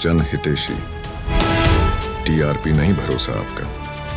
जन हितेशी। टीआरपी नहीं भरोसा आपका।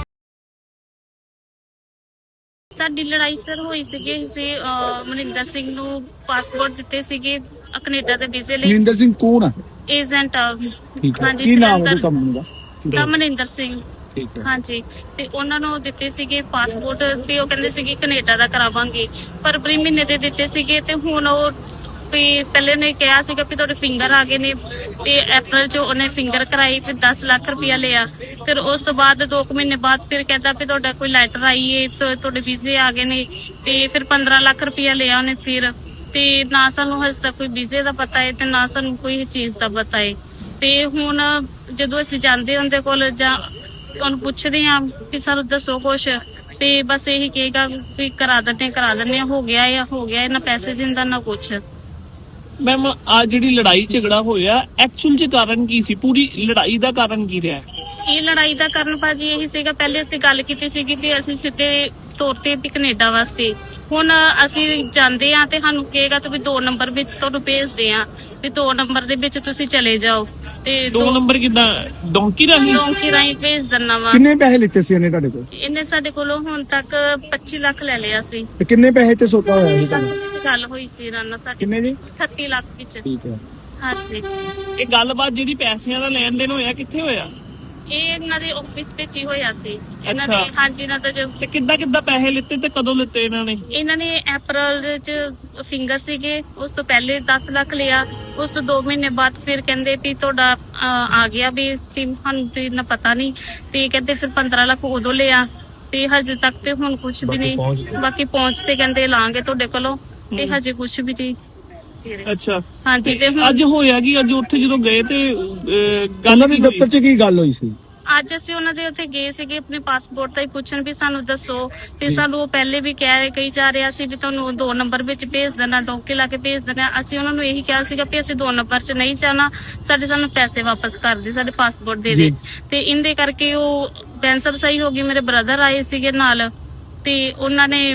ਸਾਡੀ ਲੜਾਈ ਸਰ ਹੋਈ ਸੀਗੀ ਅਸੀਂ ਮਨਿੰਦਰ ਸਿੰਘ ਨੂੰ ਪਾਸਪੋਰਟ ਦਿੱਤੇ ਸੀਗੇ ਕੈਨੇਡਾ ਦੇ ਵੀਜ਼ੇ ਲਈ। ਮਨਿੰਦਰ ਸਿੰਘ ਕੌਣ ਆ? ਏਜੰਟ ਠੀਕ ਹੈ, ਹਾਂਜੀ ਕੀ ਨਾਮ ਹੈ ਜਲੰਧਰ ਕੰਪਨੀ ਦਾ? ਮਨਿੰਦਰ ਸਿੰਘ। ਠੀਕ ਹੈ, ਹਾਂਜੀ ਤੇ ਉਹਨਾਂ ਨੂੰ ਦਿੱਤੇ ਸੀਗੇ ਪਾਸਪੋਰਟ ਤੇ ਉਹ ਕਹਿੰਦੇ ਸੀਗੇ ਕੈਨੇਡਾ ਦਾ ਕਰਾਵਾਂਗੇ। ਫਰਵਰੀ ਮਹੀਨੇ ਦੇ ਦਿੱਤੇ ਸੀਗੇ ਤੇ ਹੁਣ ਉਹ ਵੀ ਪਹਿਲੇ ਨੇ ਕਿਹਾ ਸੀਗਾ ਵੀ ਤੁਹਾਡੇ ਫਿੰਗਰ ਆ ਗਏ ਨੇ ਤੇ ਅਪ੍ਰੈਲ 'ਚ ਉਹਨੇ ਫਿੰਗਰ ਕਰਾਈ ਫਿਰ 10 ਲੱਖ ਰੁਪਇਆ ਲਿਆ। ਫਿਰ ਉਸ ਤੋਂ ਬਾਅਦ 2 ਮਹੀਨੇ ਬਾਅਦ ਫਿਰ ਕਹਿੰਦਾ ਵੀ ਤੁਹਾਡਾ ਕੋਈ ਲੈਟਰ ਆਈ ਏ ਤੁਹਾਡੇ ਵੀਜ਼ੇ ਆ ਗਏ ਨੇ ਤੇ ਫਿਰ 15 ਲੱਖ ਰੁਪਇਆ ਲਿਆ ਉਹਨੇ। ਫਿਰ ਤੇ ਨਾ ਸਾਨੂੰ ਹਜੇ ਤੱਕ ਕੋਈ ਵੀਜ਼ੇ ਦਾ ਪਤਾ ਹੈ ਤੇ ਨਾ ਸਾਨੂੰ ਕੋਈ ਚੀਜ਼ ਦਾ ਪਤਾ ਹੈ। ਤੇ ਹੁਣ ਜਦੋਂ ਅਸੀਂ ਜਾਂਦੇ ਉਹਦੇ ਕੋਲ ਜਾਂ ਉਹਨੂੰ ਪੁੱਛਦੇ ਆ ਕਿ ਸਾਨੂੰ ਦੱਸੋ ਕੁਛ ਤੇ ਬਸ ਇਹੀ ਕਹੇਗਾ ਵੀ ਕਰਾ ਦਿੰਦੇ ਹੋ ਗਿਆ ਇਹਨਾਂ ਪੈਸੇ ਦਿੰਦਾ ਨਾ ਕੁਛ। ਮੈਮ ਆ ਜਿਹੜੀ ਲੜਾਈ ਝਗੜਾ ਹੋਇਆ ਐਕਚੁਅਲ ਚ ਕਾਰਨ ਕੀ ਸੀ? ਪੂਰੀ ਲੜਾਈ ਦਾ ਕਾਰਨ ਕੀ ਰਿਹਾ? ਇਹ ਲੜਾਈ ਦਾ ਕਾਰਨ ਭਾਜੀ ਇਹੀ ਸੀਗਾ, ਪਹਿਲੇ ਅਸੀਂ ਗੱਲ ਕੀਤੀ ਸੀਗੀ ਵੀ ਅਸੀਂ ਸਿੱਧੇ ਤੌਰ ਤੇ ਵੀ ਕੈਨੇਡਾ ਵਾਸਤੇ। ਹੁਣ ਅਸੀਂ ਜਾਂਦੇ ਆ ਤੇ ਸਾਨੂੰ ਕਹੇਗਾ ਤੁਸੀਂ 2 ਨੰਬਰ ਵਿੱਚ ਤੁਹਾਨੂੰ ਭੇਜਦੇ ਆ ਵੀ 2 ਨੰਬਰ ਦੇ ਵਿੱਚ ਤੁਸੀਂ ਚਲੇ ਜਾਓ ਤੇ 2 ਨੰਬਰ ਕਿੱਦਾਂ? ਡੋਂਕੀ ਰਾਹੀਂ ਭੇਜ ਦਿੰਨਾ ਵਾ। ਕਿੰਨੇ ਪੈਸੇ ਲਿੱਤੇ ਸੀ ਉਹਨੇ ਤੁਹਾਡੇ ਕੋਲ? ਇਹਨੇ ਸਾਡੇ ਕੋਲੋਂ ਹੁਣ ਤੱਕ 25 ਲੱਖ ਲੈ ਲਿਆ ਸੀ। ਤੇ ਕਿੰਨੇ ਪੈਸੇ ਚ ਸੌਦਾ ਹੋਇਆ ਸੀ ਤੁਹਾਨੂੰ? ਗੱਲ ਹੋਈ ਸੀ ਰਾਣਾ ਸਾਡੀ ਕਿੰਨੇ ਜੀ? 38 ਲੱਖ ਵਿੱਚ। ਠੀਕ ਹੈ, ਹਾਂਜੀ ਇਹ ਗੱਲਬਾਤ ਜਿਹੜੀ ਪੈਸਿਆਂ ਦਾ ਲੈਣ ਦੇਣ ਹੋਇਆ ਕਿੱਥੇ ਹੋਇਆ? ਇਹ ਇਹਨਾਂ ਦੇ ਆਫਿਸ ਵਿੱਚ ਹੀ ਹੋਇਆ ਸੀ ਇਹਨਾਂ ਅੱਛਾ। ਦੇ। ਹਾਂਜੀ ਇਹਨਾਂ ਦਾ ਤੇ ਕਿੱਦਾਂ ਪੈਸੇ ਲਿੱਤੇ ਤੇ ਕਦੋਂ ਲਿੱਤੇ ਇਹਨਾਂ ਨੇ? ਅਪ੍ਰੈਲ ਚ ਫਿੰਗਰ ਸੀਗੇ, ਉਸ ਤੋਂ ਪਹਿਲੇ 10 ਲੱਖ ਲਿਆ। ਉਸ ਤੋਂ 2 ਮਹੀਨੇ ਬਾਅਦ ਫਿਰ ਕਹਿੰਦੇ ਵੀ ਤੁਹਾਡਾ ਆ ਗਿਆ ਵੀ ਸਾਨੂੰ ਤੇ ਨਾ ਪਤਾ ਨਹੀਂ ਤੇ ਕਹਿੰਦੇ ਫਿਰ 15 ਲੱਖ ਉਦੋਂ ਲਿਆ ਤੇ ਹਜੇ ਤੱਕ ਤੇ ਹੁਣ ਕੁਝ ਵੀ ਨਹੀਂ। ਬਾਕੀ ਪਹੁੰਚ ਤੇ ਕਹਿੰਦੇ ਲਾਂਗੇ ਤੁਹਾਡੇ ਕੋਲੋਂ ਤੇ ਹਜੇ ਕੁਝ ਵੀ ਨਹੀਂ। ਅੱਛਾ ਹਾਂਜੀ ਤੇ ਅੱਜ ਹੋਇਆ ਕੀ? ਅੱਜ ਉੱਥੇ ਜਦੋਂ ਗਏ ਤੇ ਗੱਲ ਉਹਨਾਂ ਦੇ ਦਫ਼ਤਰ ਚ ਕੀ ਗੱਲ ਹੋਈ ਸੀ? ਅੱਜ ਅਸੀਂ ਉਹਨਾਂ ਦੇ ਉੱਥੇ ਗਏ ਸੀਗੇ ਆਪਣੇ ਪਾਸਪੋਰਟ ਦਾ ਹੀ ਪੁੱਛਣ ਵੀ ਸਾਨੂੰ ਦੱਸੋ ਤੇ ਸਾਨੂੰ ਉਹ ਪਹਿਲੇ ਵੀ ਕਹੀ ਜਾ ਰਿਹਾ ਸੀ ਵੀ ਤੁਹਾਨੂੰ 2 ਨੰਬਰ ਵਿੱਚ ਭੇਜ ਦੇਣਾ, ਡੋਂਕੇ ਲਾ ਕੇ ਭੇਜ ਦੇਣਾ। ਅਸੀਂ ਉਹਨਾਂ ਨੂੰ ਇਹੀ ਕਿਹਾ ਸੀਗਾ ਵੀ ਅਸੀਂ 2 ਨੰਬਰ 'ਚ ਨਹੀਂ ਜਾਣਾ, ਸਾਨੂੰ ਪੈਸੇ ਵਾਪਸ ਕਰ ਦੇ, ਸਾਡੇ ਪਾਸਪੋਰਟ ਦੇ ਦੇ। ਤੇ ਇਹਦੇ ਕਰਕੇ ਉਹ ਬੈਂਸਬ ਸਹੀ ਹੋ ਗਈ। ਮੇਰੇ ਬ੍ਰਦਰ ਆਏ ਸੀਗੇ ਨਾਲ ਤੇ ਉਹਨਾਂ ਨੇ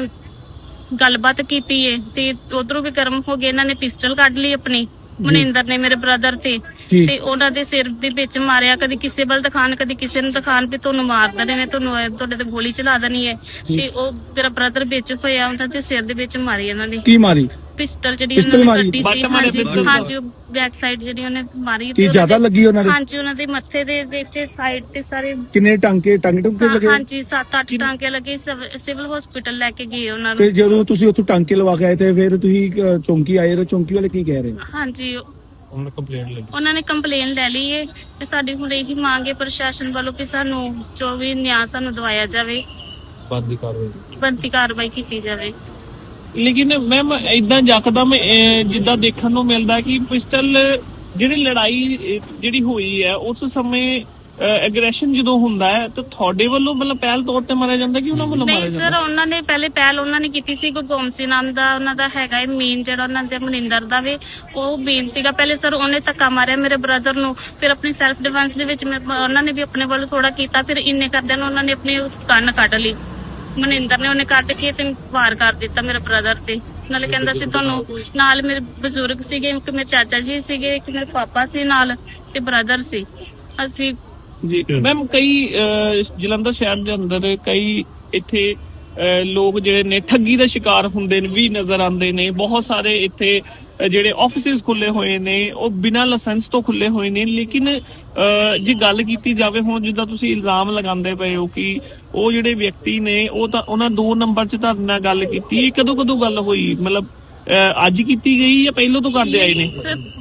ਗੱਲਬਾਤ ਕੀਤੀ ਏ ਤੇ ਉਧਰੋਂ ਵੀ ਗਰਮ ਹੋ ਗਏ। ਇਹਨਾਂ ਨੇ ਪਿਸਟਲ ਕੱਢ ਲਈ ਆਪਣੀ, ਮਨਿੰਦਰ ਨੇ ਮੇਰੇ ਬ੍ਰਦਰ ਤੇ ਉਹਨਾਂ ਦੇ ਸਿਰ ਦੇ ਵਿੱਚ ਮਾਰਿਆ। ਕਦੀ ਕਿਸੇ ਵੱਲ ਦਿਖਾਣ ਕਦੀ ਕਿਸੇ ਨੂੰ ਦਿਖਾਣ ਵੀ ਤੁਹਾਨੂੰ ਮਾਰ ਦੇਣੇ ਨੇ, ਤੁਹਾਡੇ ਤੇ ਗੋਲੀ ਚਲਾ ਦੇਣੀ ਹੈ। ਤੇ ਉਹ ਮੇਰਾ ਬ੍ਰਦਰ ਵਿੱਚ ਹੋਇਆ ਉਹਨਾਂ ਦੇ ਸਿਰ ਦੇ ਵਿੱਚ ਮਾਰੀ ਇਹਨਾਂ ਨੇ। ਕੀ ਮਾਰੀ? ਪਿਸਟਲ ਜਿਹੜੀ ਪਿਸਟਲ ਉਹਨਾਂ ਮਾਰੀ? ਨੇ ਕੱਢੀ ਸੀ। ਹਾਂਜੀ ਬੈਕ ਸਾਈਡ ਜਿਹੜੀ ਉਹਨੇ ਮਾਰੀ। ਕੀ ਜ਼ਿਆਦਾ ਲੱਗੀ ਉਹਨਾਂ ਦੇ? ਹਾਂਜੀ ਉਹਨਾਂ ਦੇ ਮੱਥੇ ਦੇ ਇੱਥੇ ਸਾਈਡ ਤੇ ਸਾਰੇ। ਕਿੰਨੇ ਟਾਂਕੇ ਲੱਗੇ? ਹਾਂਜੀ 7-8 ਟਾਂਕੇ ਲੱਗੇ। ਸਿਵਲ ਹਸਪੀਟਲ ਲੈ ਕੇ ਗਏ ਉਹਨਾਂ ਨੂੰ। ਤੇ ਜਦੋਂ ਤੁਸੀਂ ਉੱਥੋਂ ਟਾਂਕੇ ਲਵਾ ਕੇ ਆਏ ਤੇ ਫਿਰ ਤੁਸੀਂ ਚੌਂਕੀ ਆਏ ਹੋ, ਚੌਂਕੀ ਵਾਲੇ ਕੀ ਕਹਿ ਰਹੇ? ਹਾਂਜੀ ਉਹਨਾਂ ਨੇ ਕੰਪਲੇਨ ਲੈ ਲਈ ਹੈ ਤੇ ਸਾਡੀ ਹੁਣ ਇਹੀ ਮੰਗ ਹੈ ਪ੍ਰਸ਼ਾਸਨ ਵੱਲੋਂ ਕਿ ਸਾਨੂੰ ਜੋ ਵੀ ਨਿਆਂ ਸਾਨੂੰ ਦਵਾਇਆ ਜਾਵੇ, ਬਣਦੀ ਕਾਰਵਾਈ ਕੀਤੀ ਜਾਵੇ। ਲੇਕਿਨ ਮੈਮ ਇਦਾਂ ਯਕਦਮ ਜਿੱਦਾਂ ਦੇਖਣ ਨੂੰ ਮਿਲਦਾ ਕਿ ਪਿਸਟਲ ਜਿਹੜੀ ਲੜਾਈ ਜਿਹੜੀ ਹੋਈ ਹੈ ਉਸ ਸਮੇਂ ਐਗਰੈਸ਼ਨ ਜਦੋਂ ਹੁੰਦਾ ਹੈ ਤਾਂ ਤੁਹਾਡੇ ਵੱਲੋਂ ਮਤਲਬ ਪਹਿਲ ਤੌਰ ਤੇ ਮਾਰਿਆ ਜਾਂਦਾ ਕਿ ਉਹਨਾਂ ਵੱਲੋਂ ਮਾਰਿਆ ਜਾਂਦਾ? ਨਹੀਂ ਸਰ, ਉਹਨਾਂ ਨੇ ਪਹਿਲ ਉਹਨਾਂ ਨੇ ਕੀਤੀ ਸੀ। ਗੋਮਸੀ ਨਾਮ ਦਾ ਉਹਨਾਂ ਦਾ ਹੈਗਾ ਹੈ ਮੇਨ, ਜਿਹੜਾ ਉਹਨਾਂ ਦੇ ਮਨਿੰਦਰ ਦਾ ਵੀ ਉਹ ਮੇਨ ਸੀਗਾ। ਪਹਿਲੇ ਸਰ ਉਹਨੇ ਧੱਕਾ ਮਾਰਿਆ ਮੇਰੇ ਬ੍ਰਦਰ ਨੂੰ, ਫਿਰ ਆਪਣੀ ਸੈਲਫ ਡਿਫੈਂਸ ਦੇ ਵਿੱਚ ਉਹਨਾਂ ਨੇ ਵੀ ਆਪਣੇ ਵੱਲੋਂ ਥੋੜਾ ਕੀਤਾ। ਫਿਰ ਇੰਨੇ ਕਰਦਿਆਂ ਨੂੰ ਉਹਨਾਂ ਨੇ ਆਪਣੀ ਕੰਨ ਕੱਢ ਲਈ ਮਨਿੰਦਰ ਨੇ। ਉਹਨੇ ਕੱਢ ਕੇ ਤੇ ਵਾਰ ਕਰ ਦਿੱਤਾ ਮੇਰੇ ਬ੍ਰਦਰ ਤੇ। ਨਾਲੇ ਕਹਿੰਦਾ ਸੀ ਤੁਹਾਨੂੰ ਨਾਲ ਮੇਰੇ ਬਜ਼ੁਰਗ ਸੀਗੇ, ਇੱਕ ਮੇਰੇ ਚਾਚਾ ਜੀ ਸੀਗੇ, ਇੱਕ ਮੇਰੇ ਪਾਪਾ ਸੀ ਨਾਲ ਤੇ ਬ੍ਰਦਰ ਸੀ ਅਸੀਂ। ਜੀ ਮੈਮ ਕਈ ਜਲੰਧਰ ਸ਼ਹਿਰ ਦੇ ਅੰਦਰ ਕਈ ਇੱਥੇ ਲੋਕ ਜਿਹੜੇ ਨੇ ਠੱਗੀ ਦਾ ਸ਼ਿਕਾਰ ਹੁੰਦੇ ਨੇ ਵੀ ਨਜ਼ਰ ਆਉਂਦੇ ਨੇ। ਬਹੁਤ ਸਾਰੇ ਇੱਥੇ ਜਿਹੜੇ ਆਫਿਸਿਸ ਖੁੱਲੇ ਹੋਏ ਨੇ ਉਹ ਬਿਨਾਂ ਲਾਇਸੈਂਸ ਤੋਂ ਖੁੱਲੇ ਹੋਏ ਨੇ। ਲੇਕਿਨ ਜੇ ਗੱਲ ਕੀਤੀ ਜਾਵੇ ਹੁਣ ਜਿੱਦਾਂ ਤੁਸੀਂ ਇਲਜ਼ਾਮ ਲਗਾਉਂਦੇ ਪਏ ਹੋ ਕਿ ਉਹ ਜਿਹੜੇ ਵਿਅਕਤੀ ਨੇ ਉਹ ਤਾਂ ਉਹਨਾਂ 2 ਨੰਬਰ 'ਚ ਤੁਹਾਡੇ ਨਾਲ ਗੱਲ ਕੀਤੀ, ਕਦੋਂ ਗੱਲ ਹੋਈ? ਮਤਲਬ ਅੱਜ ਕੀਤੀ ਗਈ ਜਾਂ ਪਹਿਲਾਂ ਤੋਂ ਕਰਦੇ ਆਏ ਨੇ?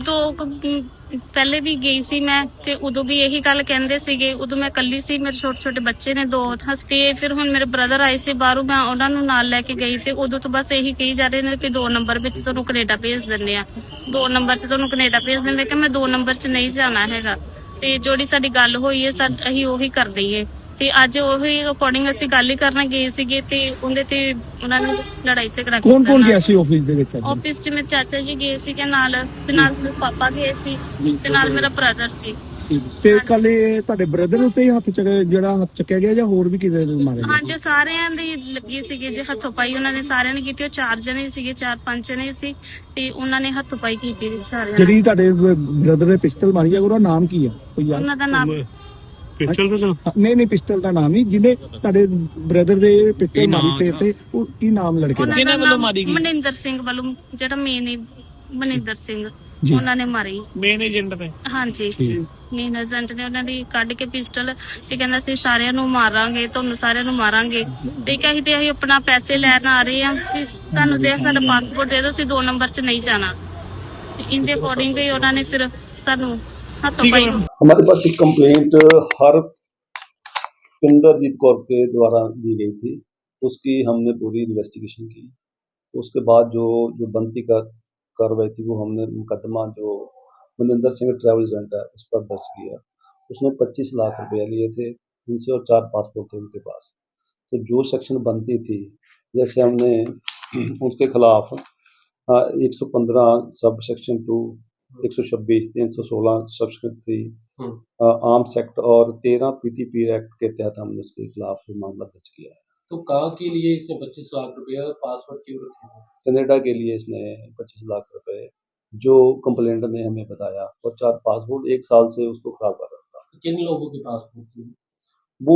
ਪਹਿਲੇ ਵੀ ਗਈ ਸੀ ਮੈਂ ਤੇ ਉਦੋਂ ਵੀ ਇਹੀ ਗੱਲ ਕਹਿੰਦੇ ਸੀਗੇ। ਉਦੋਂ ਮੈਂ ਇਕੱਲੀ ਸੀ, ਮੇਰੇ ਛੋਟੇ ਬੱਚੇ ਨੇ 2 ਹਸਤੇ। ਫਿਰ ਹੁਣ ਮੇਰੇ ਬ੍ਰਦਰ ਆਏ ਸੀ ਬਾਹਰੋਂ, ਮੈਂ ਉਹਨਾਂ ਨੂੰ ਨਾਲ ਲੈ ਕੇ ਗਈ ਤੇ ਉਦੋਂ ਤੋਂ ਬਸ ਇਹੀ ਕਹੀ ਜਾ ਰਹੇ ਨੇ ਕਿ 2 ਨੰਬਰ ਵਿੱਚ ਤੁਹਾਨੂੰ ਕੈਨੇਡਾ ਭੇਜ ਦਿੰਦੇ ਆ, 2 ਨੰਬਰ 'ਚ ਤੁਹਾਨੂੰ ਕੈਨੇਡਾ ਭੇਜ ਦਿੰਦੇ। ਕਿ ਮੈਂ 2 ਨੰਬਰ 'ਚ ਨਹੀਂ ਜਾਣਾ ਹੈਗਾ ਤੇ ਜਿਹੜੀ ਸਾਡੀ ਗੱਲ ਹੋਈ ਹੈ ਅਸੀਂ ਉਹੀ ਕਰ ਦਈਏ। ਤੇ ਅੱਜ ਉਹੀ ਅਕੋਰਡਿੰਗ ਅਸੀਂ ਗੱਲ ਹੀ ਕਰਨ ਗਏ ਸੀਗੇ ਤੇ ਉਹਦੇ ਤੇ ਉਹਨਾਂ ਨੇ ਲੜਾਈ ਝਗੜਾ ਕੀਤਾ। ਕੌਣ ਗਿਆ ਸੀ ਆਫਿਸ ਦੇ ਵਿੱਚ? ਆਫਿਸ 'ਚ ਮੇਰੇ ਚਾਚਾ ਜੀ ਗਏ ਸੀਗੇ ਨਾਲ ਤੇ ਨਾਲ ਮੇਰੇ ਪਾਪਾ ਗਏ ਸੀ ਤੇ ਨਾਲ ਮੇਰਾ ਬ੍ਰਦਰ ਸੀ। ਤੇ ਕੱਲ ਇਹ ਤੁਹਾਡੇ ਬ੍ਰਦਰ ਉੱਤੇ ਹੀ ਹੱਥ ਜਿਹੜਾ ਹੱਥ ਚੱਕਿਆ ਗਿਆ ਜਾਂ ਹੋਰ ਵੀ ਕਿਸੇ ਨੂੰ ਮਾਰਿਆ ਗਿਆ? ਹਾਂਜੀ ਸਾਰਿਆਂ ਦੀ ਲੱਗੀ ਸੀਗੀ ਜੇ ਹੱਥੋਂ ਪਾਈ ਉਹਨਾਂ ਨੇ ਸਾਰਿਆਂ ਨੇ ਕੀਤੀ। ਉਹ 4 ਜਣੇ ਸੀਗੇ, 4-5 ਜਣੇ ਸੀ ਤੇ ਉਹਨਾਂ ਨੇ ਹੱਥੋਂ ਪਾਈ ਕੀਤੀ ਸੀ ਸਾਰਿਆਂ ਨੇ। ਜਿਹੜੀ ਤੁਹਾਡੇ ਬ੍ਰਦਰ ਨੇ ਪਿਸਟਲ ਮਾਰੀ ਹੈ ਉਹਦਾ ਨਾਮ ਕੀ ਆ ਕੋਈ ਯਾਦ? ਉਹਨਾਂ ਦਾ ਨਾਮ ਪਿਸਟਲ ਦਾ ਨਾਮ ਨਹੀਂ ਪਿਸਟਲ ਦਾ ਨਾਮ ਨਹੀਂ, ਜਿਹਨੇ ਤੁਹਾਡੇ ਬ੍ਰਦਰ ਦੇ ਪਿਸਟਲ ਮਾਰੀ ਸਿਰ ਤੇ, ਉਹ ਕੀ ਨਾਮ ਲੜਕੇ ਦਾ? ਉਹਨਾਂ ਕਿਹਨਾਂ ਦਾ ਵੱਲੋਂ ਨਾਮ ਮਾਰੀ ਗਈ? ਮਨਿੰਦਰ ਸਿੰਘ ਵੱਲੋਂ, ਜਿਹੜਾ ਮੇਨ ਮਨਿੰਦਰ ਸਿੰਘ ਜੀ। ਉਹਨਾਂ ਨੇ ਮਾਰੀ। ਮੇਨ ਏਜੰਟ ਨੇ। ਹਾਂਜੀ ਠੀਕ। ਮੇਨ ਏਜੰਟ ਨੇ ਉਹਨਾਂ ਦੀ ਕੱਢ ਕੇ ਪਿਸਟਲ ਤੇ ਕਹਿੰਦਾ ਸੀ ਸਾਰਿਆਂ ਨੂੰ ਮਾਰਾਂਗੇ, ਤੁਹਾਨੂੰ ਸਾਰਿਆਂ ਨੂੰ ਮਾਰਾਂਗੇ। ਤੇ ਅਸੀਂ ਆਪਣਾ ਪੈਸੇ ਲੈਣ ਆ ਰਹੇ ਆ ਕਿ ਸਾਨੂੰ ਤੇ ਸਾਡਾ ਪਾਸਪੋਰਟ ਦੇ ਦਿਓ, ਅਸੀਂ 2 ਨੰਬਰ 'ਚ ਨਹੀਂ ਜਾਣਾ। ਇਹਦੇ ਅਕੋਰਡਿੰਗ ਹੀ ਉਹਨਾਂ ਨੇ ਫਿਰ ਸਾਨੂੰ ਹੱਥੋਂ ठीक है ਪਾਈ। मैम। हमारे पास एक कंप्लेंट हरपिंदरजीत कौर के द्वारा दी गई थी, उसकी हमने पूरी इन्वेस्टिगेशन की। तो उसके बाद जो जो बनती का कार्रवाई थी वो हमने मुकदमा जो मनिंदर सिंह ट्रैवल एजेंट है उस पर दर्ज किया। उसने 25 लाख रुपया लिए थे उनसे और 4 पासपोर्ट थे उनके पास। तो जो सेक्शन बनती थी, जैसे हमने उसके खिलाफ 115 sub section 2, 126, 316 section 3 arms act और 13 पीटीपी एक्ट के तहत हमने उसके खिलाफ मामला दर्ज किया है। तो कहाँ के लिए इसने 25 लाख रुपया पासपोर्ट क्यों रखे थे? कनाडा के लिए इसने 25 लाख रुपए जो कंप्लेंट ने हमें बताया, और 4 पासपोर्ट 1 साल से उसको खराब कर रहा था। किन लोगों के पासपोर्ट थे? वो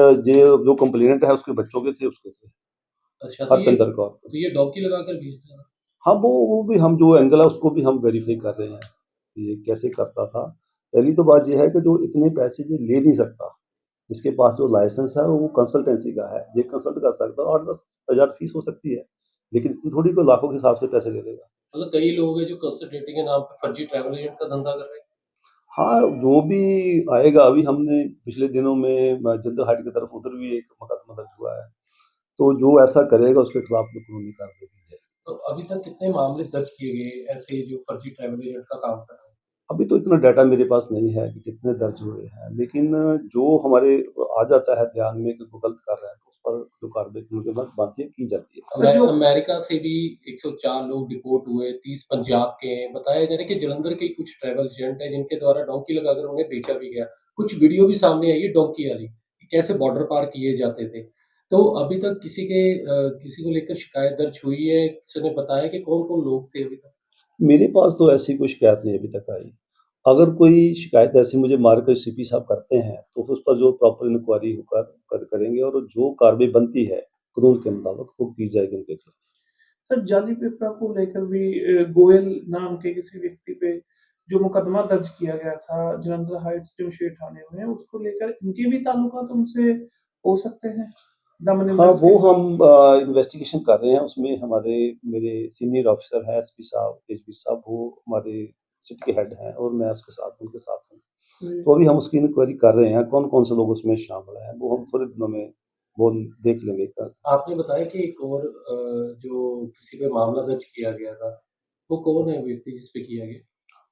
जो कंप्लेंट है उसके बच्चों के थे, उसके थे अच्छा, हरपिंदर कौर। तो ये डॉकी लगा कर भेजता है। हाँ, वो भी हम जो एंगल है उसको भी हम वेरीफाई कर रहे हैं कि ये कैसे करता था। पहली तो बात ये है कि जो इतने पैसे ये ले नहीं सकता, इसके पास जो लाइसेंस है वो कंसल्टेंसी का है, ये कंसल्ट कर सकता है। 8-10 हज़ार फीस हो सकती है, लेकिन इतनी थोड़ी कोई लाखों के हिसाब से पैसे ले लेगा। मतलब कई लोग हैं जो कंसल्टेटिंग के नाम पे फर्जी ट्रैवल एजेंट का धंधा कर रहे हैं। हाँ, जो भी आएगा, अभी हमने पिछले दिनों में जंदर हाइट की तरफ उधर भी एक मुकदमा दर्ज हुआ है, तो जो ऐसा करेगा उसके खिलाफ तो कानूनी कार्रवाई की जाएगी। तो अभी तक कितने मामले दर्ज किए गए ऐसे जो फर्जी ट्रैवल एजेंट का काम कर रहे हैं? अभी तो इतना डाटा मेरे पास नहीं है कि कितने दर्ज हुए हैं, लेकिन जो हमारे आ जाता है ध्यान में कि वो गलत कर रहा है तो उस पर जो कार्रवाई के बाद बातें की जाती है। अमेरिका से भी 104 लोग डिपोर्ट हुए, 30 पंजाब के हैं। बताया जा रहा है कि जलंधर के कुछ ट्रैवल एजेंट है जिनके द्वारा डोंकी लगाकर उन्हें बेचा भी गया। कुछ वीडियो भी सामने आई है डोंकी वाली, कैसे बॉर्डर पार किए जाते थे। तो अभी तक किसी को लेकर शिकायत दर्ज हुई है? किसी ने बताया कि कौन कौन लोग थे अभी तक? मेरे पास तो ऐसी कोई शिकायत नहीं अभी तक आई। अगर कोई शिकायत ऐसी मुझे मार्केट सीपी साहब करते हैं तो उस पर जो प्रॉपर इंक्वायरी करेंगे और जो कार्रवाई बनती है कानून के मुताबिक वो की जाएगी उनके खिलाफ। सर जाली पेपर को लेकर भी गोयल नाम के किसी व्यक्ति पे जो मुकदमा दर्ज किया गया था जलंधर हाइट्स जमशेद थाने में, उसको लेकर इनके भी ताल्लुकात उनसे हो सकते हैं? हाँ, वो हम इन्वेस्टिगेशन कर रहे हैं। उसमें मेरे सीनियर ऑफिसर हैं एसपी साहब, एसपी साहब, वो हमारे सिटी के हेड हैं और मैं उनके साथ हूँ। तो अभी हम उसकी इंक्वायरी कर रहे हैं कौन कौन से लोग उसमें शामिल हैं, वो हम थोड़े दिनों में वो देख लेंगे। आपने बताया कि एक और जो किसी पे मामला दर्ज किया गया था, वो कौन है व्यक्ति जिस पे किया गया?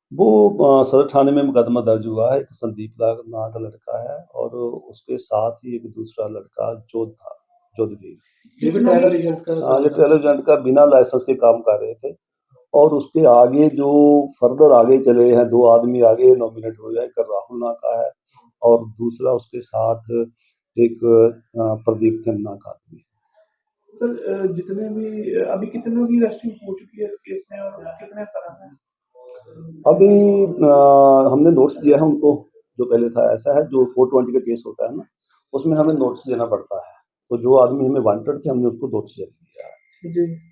वो सदर थाने में मुकदमा दर्ज हुआ है, एक संदीप नाम का लड़का है और उसके साथ ही एक दूसरा लड़का जोधवीर। ये भी ट्रैवल एजेंट का ये ट्रैवल एजेंट का बिना लाइसेंस के काम कर रहे थे। और उसके आगे जो फर्दर आगे चले हैं, 2 आदमी आगे नॉमिनेट हुए हैं, एक राहुल नाम का है और दूसरा उसके साथ एक प्रदीप नाम का आदमी। सर जितने भी अभी कितने लोगों की अरेस्टिंग हो चुकी है इस केस में और कितने फरार हैं? अभी हमने नोट्स दिया है उनको, जो पहले था ऐसा है जो 420 का केस होता है ना, उसमें हमें नोट्स देना पड़ता है। तो जो आदमी हमें वांटेड थे हमने उसको नोट्स दे दिया है। जी